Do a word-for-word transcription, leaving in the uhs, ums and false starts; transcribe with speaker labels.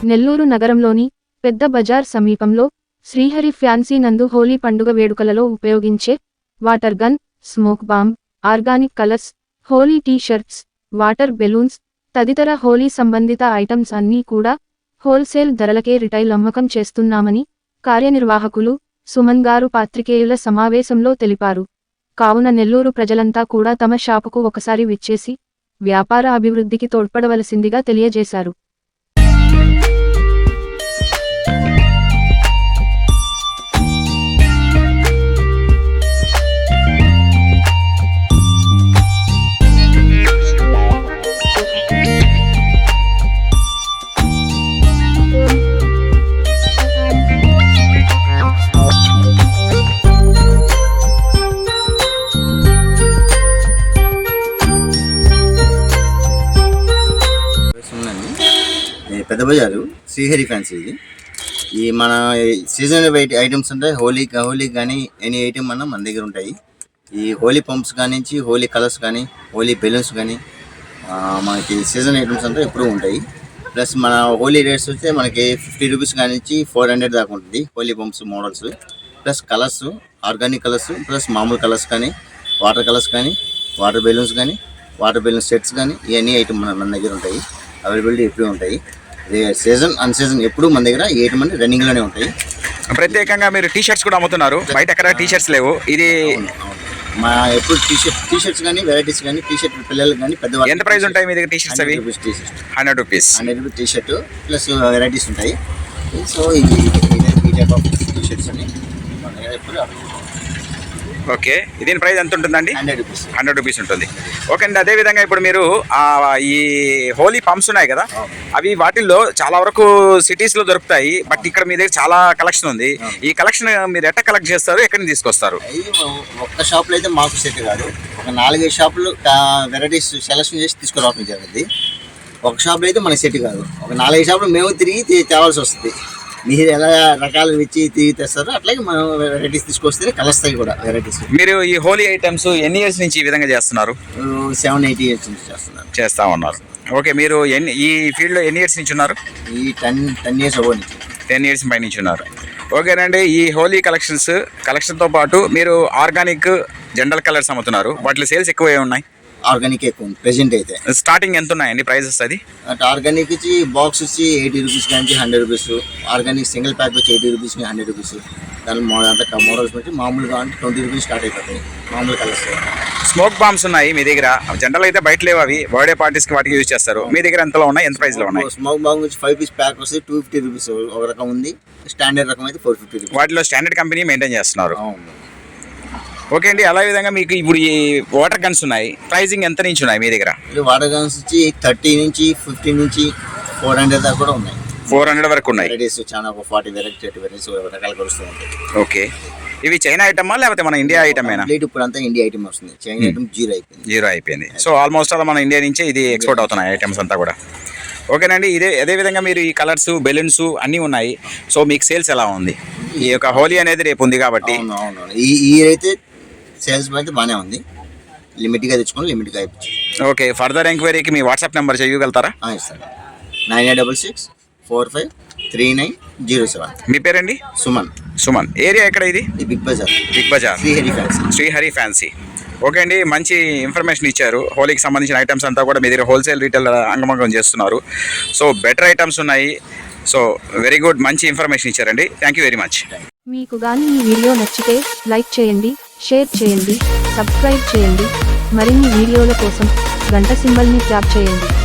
Speaker 1: నెల్లూరు నగరంలోని పెద్ద బజార్ సమీపంలో శ్రీహరి ఫ్యాన్సీ నందు హోలీ పండుగ వేడుకలలో ఉపయోగించే water gun, smoke bomb, organic colours, Holi T shirts, water balloons తదితర హోలీ సంబంధిత ఐటమ్స్ అన్నీ కూడా హోల్సేల్ ధరలకే రిటైల్ అమ్మకం చేస్తున్నామని కార్యనిర్వాహకులు సుమన్ గారు పాత్రికేయుల సమావేశంలో తెలిపారు. కావున నెల్లూరు ప్రజలంతా కూడా తమ షాపుకు ఒకసారి విచ్చేసి వ్యాపార అభివృద్ధికి తోడ్పడవలసిందిగా తెలియజేశారు.
Speaker 2: పెద్ద బజారు శ్రీహరి ఫ్యాన్సీ. ఇది ఈ మన సీజనల్ ఐటమ్స్ ఉంటాయి. హోలీ హోలీకి కానీ ఎనీ ఐటమ్ అన్న మన దగ్గర ఉంటాయి. ఈ హోలీ పంప్స్ కానించి హోలీ కలర్స్ కానీ హోలీ బెలూన్స్ కానీ మనకి సీజన్ ఐటమ్స్ అంటే ఎప్పుడూ ఉంటాయి. ప్లస్ మన హోలీ రేట్స్ వస్తే మనకి ఫిఫ్టీ రూపీస్ కానించి ఫోర్ హండ్రెడ్ దాకా ఉంటుంది Holi pumps models. Plus colours, organic colours, plus మామూలు కలర్స్ కానీ వాటర్ కలర్స్ కానీ వాటర్ బెలూన్స్ కానీ వాటర్ బెలూన్స్ సెట్స్ కానీ ఇవన్నీ ఐటమ్ మన మన దగ్గర ఉంటాయి. అవైలబిలిటీ ఎప్పుడూ ఉంటాయి. సీజన్ అన్ సీజన్ ఎప్పుడు మన దగ్గర ఎయిట్ మంది రన్నింగ్ లోనే ఉంటాయి.
Speaker 3: ప్రత్యేకంగా మీరు టీ షర్ట్స్ కూడా అమ్ముతున్నారు, బయట ఎక్కడ టీ షర్ట్స్ లేవు. ఇది
Speaker 2: మా ఎప్పుడు టీ షర్ట్ టీ షర్ట్స్ కానీ వెరైటీస్ కానీ టీ షర్ట్ పిల్లలకి కానీ పెద్దవాళ్ళు.
Speaker 3: ఎంత ప్రైస్ ఉంటాయి మీ దగ్గర టీ షర్ట్స్? అవి
Speaker 2: T shirt
Speaker 3: hundred rupees
Speaker 2: hundred rupees T shirt plus varieties ఉంటాయి. సో ఈ టైప్ ఆఫ్ టీ షర్ట్స్ అని మన దగ్గర ఎప్పుడు.
Speaker 3: ఓకే, దీని ప్రైస్ ఎంత ఉంటుందండి?
Speaker 2: హండ్రెడ్ రూపీస్
Speaker 3: హండ్రెడ్ రూపీస్ ఉంటుంది. ఓకే అండి, అదేవిధంగా ఇప్పుడు మీరు ఈ హోలీ పంప్స్ ఉన్నాయి కదా, అవి వాటిల్లో చాలా వరకు సిటీస్లో దొరుకుతాయి. బట్ ఇక్కడ మీ దగ్గర చాలా కలెక్షన్ ఉంది. ఈ కలెక్షన్ మీరు ఎట్లా కలెక్ట్ చేస్తారు, ఎక్కడి నుంచి తీసుకొస్తారు?
Speaker 2: ఒక్క షాప్లో అయితే మాకు సెట్ కాదు. ఒక నాలుగైదు షాపులు వెరైటీస్ సెలెక్షన్ చేసి తీసుకురావడం జరిగింది. ఒక షాప్లో అయితే మనకి సెట్ కాదు. ఒక నాలుగైదు షాపులు మేము తిరిగి తేవాల్సి వస్తుంది. మీరు ఎలా రకాలు ఇచ్చి తిరిగి తెస్తారో అట్లాగే మనం వెరైటీస్ తీసుకొస్తే కలుస్తాయి కూడా వెరైటీస్.
Speaker 3: మీరు ఈ హోలీ ఐటమ్స్ ఎన్ని ఇయర్స్ నుంచి ఈ విధంగా చేస్తున్నారు?
Speaker 2: సెవెన్ ఎయిట్ ఇయర్స్ నుంచి చేస్తున్నారు
Speaker 3: చేస్తా ఉన్నారు. ఓకే, మీరు ఎన్ని ఈ ఫీల్డ్లో ఎన్ని ఇయర్స్ నుంచి ఉన్నారు?
Speaker 2: ఈ టెన్ టెన్ ఇయర్స్ అవ్వ నుంచి
Speaker 3: టెన్ ఇయర్స్ పై నుంచి ఉన్నారు. ఓకేనండి, ఈ హోలీ కలెక్షన్స్ కలెక్షన్తో పాటు మీరు ఆర్గానిక్ జనరల్ కలర్స్ అమ్ముతున్నారు. వాటిలో సేల్స్ ఎక్కువ ఉన్నాయి.
Speaker 2: ఆర్గానిక్ ఎక్కువ ఉంది ప్రెజెంట్ అయితే.
Speaker 3: స్టార్టింగ్ ఎంత ఉన్నాయండి ప్రైజెస్? అది
Speaker 2: అంటే ఆర్గానిక్ వచ్చి బాక్స్ వచ్చి ఎయిటీ రూపీస్ కానీ hundred rupees. Organic single pack వచ్చి ఎయిటీ రూపీస్ హండ్రెడ్ రూపీస్. దాని అంత మోడల్స్ బట్టి మామూలుగా అంటే ట్వంటీ రూపీస్ స్టార్ట్ అయిపోతాయి మామూలు కలర్స్.
Speaker 3: స్మోక్ బాంబ్స్ ఉన్నాయి మీ దగ్గర. జనరల్ అయితే బయట లేవు, అవి బర్త్డే పార్టీస్కి వాటికి యూజ్ చేస్తారు. మీ దగ్గర ఎంతలో ఉన్నాయి, ఎంత ప్రైస్లో ఉన్నాయి?
Speaker 2: స్మోక్ బాంబ్ వచ్చి ఫైవ్ పీస్ ప్యాక్ వస్తే టూ ఫిఫ్టీ రూపీస్ ఒక రకం ఉంది. స్టాండర్డ్ రకం అయితే ఫోర్ ఫిఫ్టీ రూపీస్.
Speaker 3: వాటిలో స్టాండర్డ్ కంపెనీ మెయింటైన్ చేస్తున్నారు. ఓకే అండి, అలా విధంగా మీకు ఇప్పుడు ఈ వాటర్ గన్స్ ఉన్నాయి. ప్రైజింగ్ ఎంత నుంచి ఉన్నాయి మీ దగ్గర?
Speaker 2: వాటర్ గన్స్ వచ్చి థర్టీ నుంచి ఫిఫ్టీ నుంచి ఫోర్ హండ్రెడ్ దాకా కూడా ఉన్నాయి.
Speaker 3: ఫోర్ హండ్రెడ్ వరకు ఉన్నాయి.
Speaker 2: వెరైటీస్ చాలా ఒక ఫార్టీ వెరైటీ వెరైటీస్ రకాలు కలుస్తూ ఉంటాయి.
Speaker 3: ఓకే, ఇవి చైనా ఐటమా లేకపోతే మన ఇండియా ఐటమేనా?
Speaker 2: ఇప్పుడు అంతా ఇండియా ఐటమ్ వస్తుంది. చైనా ఐటమ్ జీరో అయిపోయింది.
Speaker 3: జీరో అయిపోయింది. సో ఆల్మోస్ట్ అలా మన ఇండియా నుంచే ఇది ఎక్స్పోర్ట్ అవుతున్నాయి ఐటమ్స్ అంతా కూడా. ఓకేనండి, ఇదే అదేవిధంగా మీరు ఈ కలర్స్ బెలూన్స్ అన్నీ ఉన్నాయి. సో మీకు సేల్స్ ఎలా ఉంది? ఈ యొక్క హోలీ అనేది రేపు ఉంది కాబట్టి
Speaker 2: ఈ ఈ అయితే సేల్స్ అయితే బాగానే ఉంది. లిమిట్గా తెచ్చుకొని లిమిట్గా అయిపోయింది.
Speaker 3: ఓకే, ఫర్దర్ ఎంక్వైరీకి మీ వాట్సాప్ నెంబర్ చేయగలుగుతారా?
Speaker 2: ఇస్తాను. Nine eight double six four five three nine zero seven.
Speaker 3: మీ పేరండి?
Speaker 2: సుమన్.
Speaker 3: సుమన్. ఏరియా ఎక్కడ ఇది?
Speaker 2: Big Bazaar.
Speaker 3: Big Bazaar
Speaker 2: Srihari fancy.
Speaker 3: Srihari fancy. Okay అండి, మంచి ఇన్ఫర్మేషన్ ఇచ్చారు. హోలీకి సంబంధించిన ఐటమ్స్ అంతా కూడా మీ దగ్గర హోల్సేల్ రీటైల్ అంగమంగం చేస్తున్నారు. సో బెటర్ ఐటమ్స్ ఉన్నాయి. సో వెరీ గుడ్, మంచి ఇన్ఫర్మేషన్ ఇచ్చారండి. Thank you very much.
Speaker 1: మీకు కానీ ఈ వీడియో నచ్చితే లైక్ చేయండి, షేర్ చేయండి, సబ్స్క్రైబ్ చేయండి. మరిన్ని వీడియోల కోసం గంట సింబల్ని ట్యాప్ చేయండి.